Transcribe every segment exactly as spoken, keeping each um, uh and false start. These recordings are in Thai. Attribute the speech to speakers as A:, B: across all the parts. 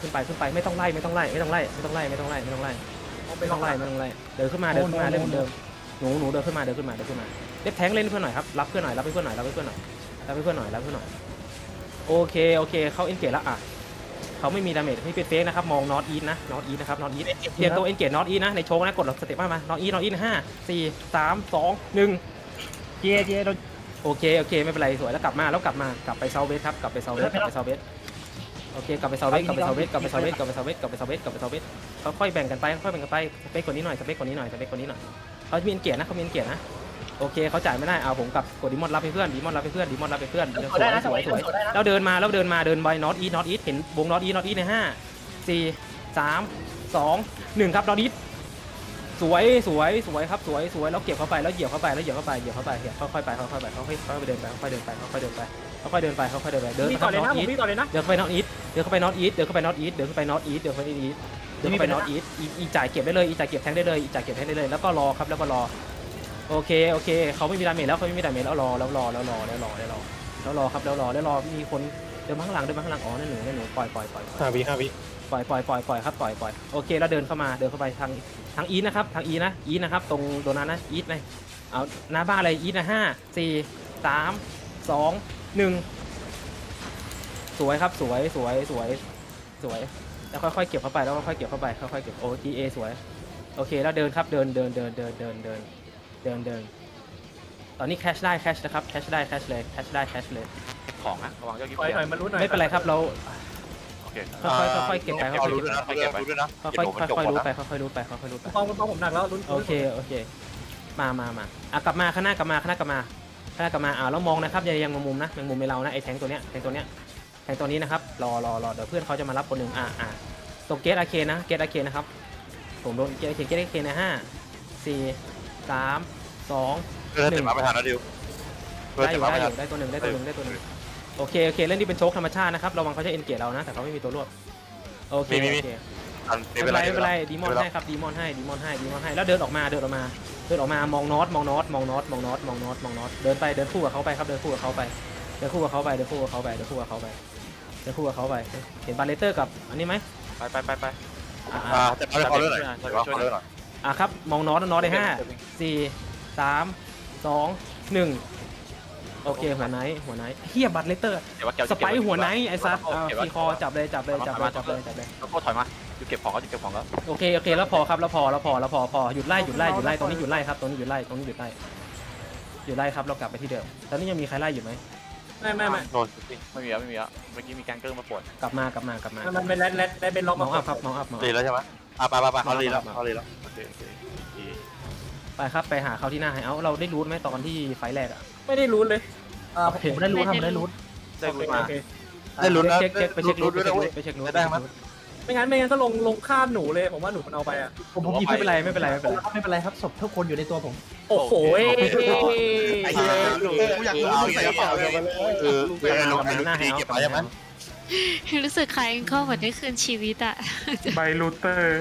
A: ขึ้นไปขึ้นไปไม่ต้องไล่ไม่ต้องไล่ไม่ต้องไล่ไม่ต้องไล่ไม่ต้องไล่ไม่ต้องไล่ไม่ต้องไล่ไม่ต้องไล่เดินขึ้นมาเดินขึ้นมาเล่นเหมือนเดิมหนูหนูเดินขึ้นมาเดินขึ้นมาเดินขึ้นมาเล็บแทงเล่นเพื่อนหน่อยครับรับเพื่อนหน่อยรับเพื่อนหน่อยรับเพื่อนหน่อยรับเพื่อนหน่อยรับเพื่อนหน่อยโอเคโอเคเขาเอ็นเกตแล้วอ่ะเขาไม่มีดาเมจไม่เป็นเฟกนะครับมองนอตอีทนะนอตอีทนะครับนอตอีทเตรียมตัวเอ็นเกตนอตอีทนะในโชว์นะกดสเต็ปมามานอตอีทนอตอีทห้าสี่สามสองหนึ่ง
B: เจเจโดน
A: โอเคโอเคไม่เป็นไรสวยแล้วกลับมาแล้วกลับมากลับไปเซาเวสครับกลับไปเซาเวสกลับไปเซาเวสโอเคกลับไปเซาเวสกลับไปเซาเวสกลับไปเซาเวสกลับไปเซาเวสกลับไปเซาเวสกลับไปเซาเวสค่อยๆแบ่งกันไปค่อยๆแบ่งกันไปสเปคคนนี้หน่อยสเปคคนนี้หน่อยสเปคคนนี้หน่อยเขามีเกียรตินะเขามีเกียรตินะโอเคเขาจ่ายไม่ได้เอาผมกับกดดิมอนรับให้เพื่อนดิมอนรับให้เพื่อนดิมอนรับให้เพื่อนสวยสวยสวยแล้วเดินมาแล้วเดินมาเดินไปนอตอีทนอตอีทเห็นวงนอตอีทนอตอีทในห้าสี่สามสองหนึ่งครับนอตอีทสวยสวยสวยครับสวยสวยแล้วเก็บเข้าไปแล้วเหยียบเข้าไปแล้วเหยียบเข้าไปเหยียบเข้าไปค่อยๆไปค่อยๆไปค่อยๆค่อยๆเดินไปค่อยๆเดินไปค่อยๆเดินไปค่อยๆเดินไปค่อยๆเดินไปเดิน
B: พี่
A: ไป
B: ต่อเลยนะ
A: นอต
B: ผม
A: อีท
B: พี่ต่อเลยนะ
A: เดินเข้าไปนอตอีทเดินเข้าไปนอตอีทเดินเข้าไปนอตอีทเดินเข้าไปนอตอีทเดินเข้าไปนอตอีทเดินเข้าไปนอตอีทอีจ่ายเก็บได้เลยอีจ่ายเก็บแทงได้เลยอีจ่ายเก็บแทงได้เลยแล้วก็รอครับแล้วก็รอโอเคโอเคเขาไม่มีดาเมจแล้วเขาไม่มีดาเมจแล้วรอแล้วรอแล้วรอแล้วรอแล้วรอแล้วรอครับแล้วรอแล้วรอมีคนเดินมาข้างหลังเดินมาข้างหลังอ๋อนั่นหนูนั่นหนูปล่อยปล่อยปล่อย
C: ห้าวิห้าวิ
A: ปล่อยปล่อยปล่อยปล่อยครับปล่อยปล่อยโอเคแล้วเดินเข้ามาเดินเข้าไปทางทางอีทนะครับทางอีนะอีนะครับตรงโดนัทนะอีทเลยเอาหน้าบ้านอะไรอีทนะห้าสี่สามสองหนึ่งสวยครับสวยสวยสวยสวยแล้วค่อยๆเก็บเข้าไปแล้วค่อยๆเก็บเข้าไปค่อยๆเก็บโอทีเอสวยโอเคแล้วเดินครับเดินเดินเดินเดินเดินเดินเดินเดินตอนนี้แคชได้แคชนะครับแคชได้แคชเลยแคชได้แคชเลย
D: ของนะระวังยอดกิ๊บ
B: ถอยถอยมาลุ้นหน่อย
A: ไม่เป็นไรครับเรา
D: โอเค
A: ค่อยๆค่อยๆเก็บไปค่อยๆ
C: รู้
A: เก็บ
C: ด้วย
A: ไป
C: นะรู้ด้วยนะ
A: ค่อยๆค่อยๆรู้ไปค่อยๆรู้ไปค่อยๆรู้ไป
B: ฟองฟองผมหนักแล้วลุ้น
A: โอเคโอเคมามามาอ่ะกลับมาข้างหน้ากลับมาข้างหน้ากลับมาข้างหน้ากลับมาอ่าแล้วมองนะครับอย่ายังมุมนะยังมุมไม่เรานะไอ้แทงตัวเนี้ยแทงตัวเนี้ยแทงตัวนี้นะครับรอรอรอเดี๋ยวเพื่อนเขาจะมารับคนหนึ่งอ่าอ่าตรงเกตอาเคนนะเกตอาเคนนะครับผมโดนเกตอาเคนเกตอาเคนนะห้าสี่สามสอง
C: เพื่อนเต็มมาไม่ทันนะดิวเพื่อน
A: ได้อ
C: เต็ม
A: ยู่
C: มา
A: ได้
C: ไม่
A: อ
C: ทัน
A: ยู่ได้ตัวหนึ่งได้ตัวหนึ่งได้ตัวหนึ่งโอเคโอเคเล่นที่เป็นโชคธรรมชาตินะครับระวังเขาจะเอ็นเกตเรานะแต่เขาไม่มีตัวรวบโอเคโอเค
C: ทัน
A: ไม่
C: ไม่
A: เป็
C: เป็น น
A: ไร
C: ไร
A: ไม่เป็นไรดีมอนให้ครับดีมอนให้ดีมอนให้ดีมอนให้แล้วเดินออกมาเดินออกมาเดินออกมามองน็อตมองน็อตมองน็อตมองน็อตมองน็อตมองน็อตเดินไปเดินคู่กับเขาไปครับเดินคู่กับเขาไปเดินคู่กับเขาไปเดินคู่กับเขาไปเดินคู่กับเขาไปเดินคู่กับเขาไปเห็นบาเลเตอร์กับอันนี้ไหม
D: ไปไปไปไป
A: อ่า
C: อ่าแต่ไม่ขอเรื่องหน่อยขอเรื่องหน่อย
A: อ่าครับมองน็อตน็อตได้ห้าสี่สามสองหนึ่งโอเคหัวไนท์หัวไนท์เฮียบัตเลเตอร์
D: เดี๋ยวว่าเกี่ยว
A: สไปหัวไนท์ไอ้ซัดทีคอจับเลยจับเลยจับเลยจับเลยจับเลย
D: แล้วก็ถอยมาอยู่เก็บของก็อยู่เก็บของแล้ว
A: โอเคโอเคแล้วพอครับแล้วพอแล้วพอแล้วพอพอหยุดไล่หยุดไล่หยุดไล่ตรงนี้หยุดไล่ครับตรงนี้หยุดไล่ตรงนี้หยุดไล่หยุดไล่ครับเรากลับไปที่เดิมตอนนี้ยังมีใครไล่อยู่ไหม
B: ไม่ไม่ไม่
C: โดนจริง
D: ไม่มีแล้วไม่มีแล้วเมื่อกี้มีการเกิ้งมาปวด
A: กลับมากลับมากลับมา
B: มันเป็นแรดแรดแรดเป็นล็อก
A: ม
B: มา
A: องอัพครับมองอัพมอง
C: รีแล้วใช่ไหมอ่ะไปไปไปเขารีแล้วเขารีแล้ว
D: โอเคโอเค
A: ไปครับไปหาเขาที่หน้าไฮเอาเราได้รู้ไหมตอนที่ไฟแรกอ่ะ
B: ไม่ได้ลุ้นเลยอ่า
A: โอเค
B: ผมได้ลุ้นครับผมได้ลุ้น
D: ได้รู้มา
B: โอเค
C: ได้ลุ้นนะ
A: เช็คเช็คไปเช็ค
C: ลุ้
A: รู้
C: น
A: ไป
C: ด้วย
A: เช็ค
C: นะ
A: รู้
C: เว้ย
A: ไปเช็ครู้
C: ได้ไหม
B: ไม่งั้นไม่งั้นก็ลงลงข้ามหนูเลยผมว่าหนูมันเอาไปอ่ะ
E: ผมผม
A: ไม่เป็นไรไม่เป็นไรไม่เป็นไร
E: ไม่เป็นไรครับศพทุกคนอยู่ในตัวผม
B: โอ้โห
C: ไอ้เหี้ยกูอยากรู้ใส่กระเป๋าเลยเออเออลงไปดีเก็บมาใช่ไหม
F: รู้สึกคล้ายก็เหมือนได้คืนชีวิตอะ
G: ใบรูเตอร์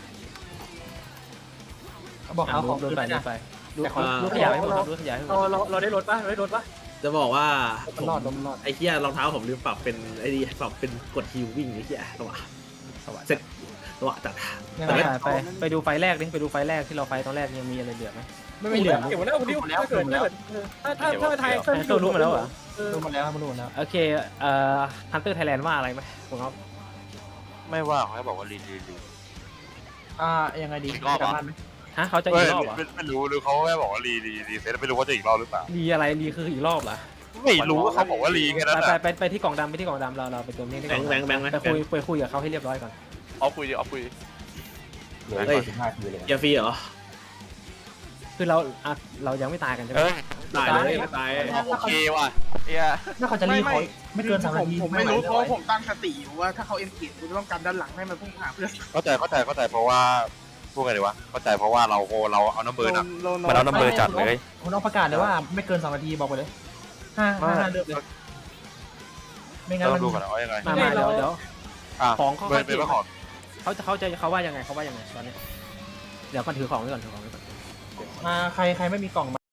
E: บอก
A: อ่า
E: เอาข
A: รู
E: อง
A: ดรูดไป
E: คืน
A: รู
E: นะ
A: ดไปรูดรูดขยายให้หมดครับรูดขยายให้หม
B: เรา
A: ด
B: เราเราได้รถปะเราได้รถปะ
H: จะบอกว่า
E: มันรอดมันรอด
H: ไอ้เหี้ยรองเท้าผมลืมปรับเป็นไอ้นี่ปรับเป็นกดฮิววิ่งไอ้เหี้ยระหว่างเซ็ตระหว่างจัด
A: ไปไปไปดูไฟแรกดิไปดูไฟแรกที่เราไฟตอนแรกยังมีอะไรเหลือไหม
E: ไม่ไม่เหลือ
B: เก็บไว้แล้วคุณดิวถ้าเกิดถ้าเกิดถ้าถ้าถ้าไทย
A: ไอ้ตัวรู้มาแล้วเหรอ
E: รู้มาแล้วรู้มาแล้ว
A: โอเคเอ่อฮันเตอร์ไทยแลนด์ว่าอะไรไหมผมเอา
C: ไม่ว่าเขาบอกว่ารีรีรี
E: อ่ายังไงดีกลับบ้านไหม
A: ฮะเขาจะ
C: ไม่
A: อีกรอบเหรอ
C: ไม่รู้หรือเขาแค่บอกว่ารีรีรีเซ็ตไม่รู้ว่าจะอีกรอบหรือเปล่า
A: รีอะไรรีคืออีกรอบเหรอ
C: ไม่รู้ว่าเขาบอกว่ารีแค่นั้น
A: ไป
C: แหละ
A: ไปไปที่กล่องดำไปที่กล่องดำเราเราไปตัวนี้ที่
H: แบ
A: กล่
H: ง
A: อง
H: ค์แบงค์แบงค์ไหม
A: ไปคุยไปคุยกับเขาให้เรียบร้อยก่อน
D: เอาคุยเอาคุย
H: เฮ้ยอย่าฟรีเหรอ
A: คือเราอ่ะเรายังไม่ตายกันใช่ไหม
C: เออ
H: ตายเลยไม่ตาย
D: โอเคว่ะเฮีย
E: ถ้าเขาจะรีบเขาไม่เกินสามนาที
I: ผมไม่รู้เพราะว่าผมตั้งสติอยู่ว่าถ้าเขาเอ็นเกจกูจะต้องการด้านหลังให้มันพุ่งหาเพื่อน
C: เข้าใจเข้าใจเข้าใจเพราะว่าพูดไงดีวะเข้าใจเพราะว่าเราโเราเอาน้ำเบอร์น่ะ
I: โลโ
C: มันเอาน้ำเบอร์จัดเลย
E: คุณต้องประกาศเลยว่าไม่เกินสองนาทีบอกไปเลยห้าห้าเดือนเลยไม่งั้น
C: ต้
E: มั
C: อน งดูกันว่ายังไง
A: มามาเดี๋ยวเดี๋ยว
C: อ่ะ
A: ของเขา
C: เบอร์เป็นว่าของ
A: เขาจะเขาจะเขาว่ายังไงเขาว่ายังไงตอนนี้เดี๋ยวก่อนถือของไว้ก่อนถือของไว้ก่อน
E: มาใครใครไม่มีกล่อง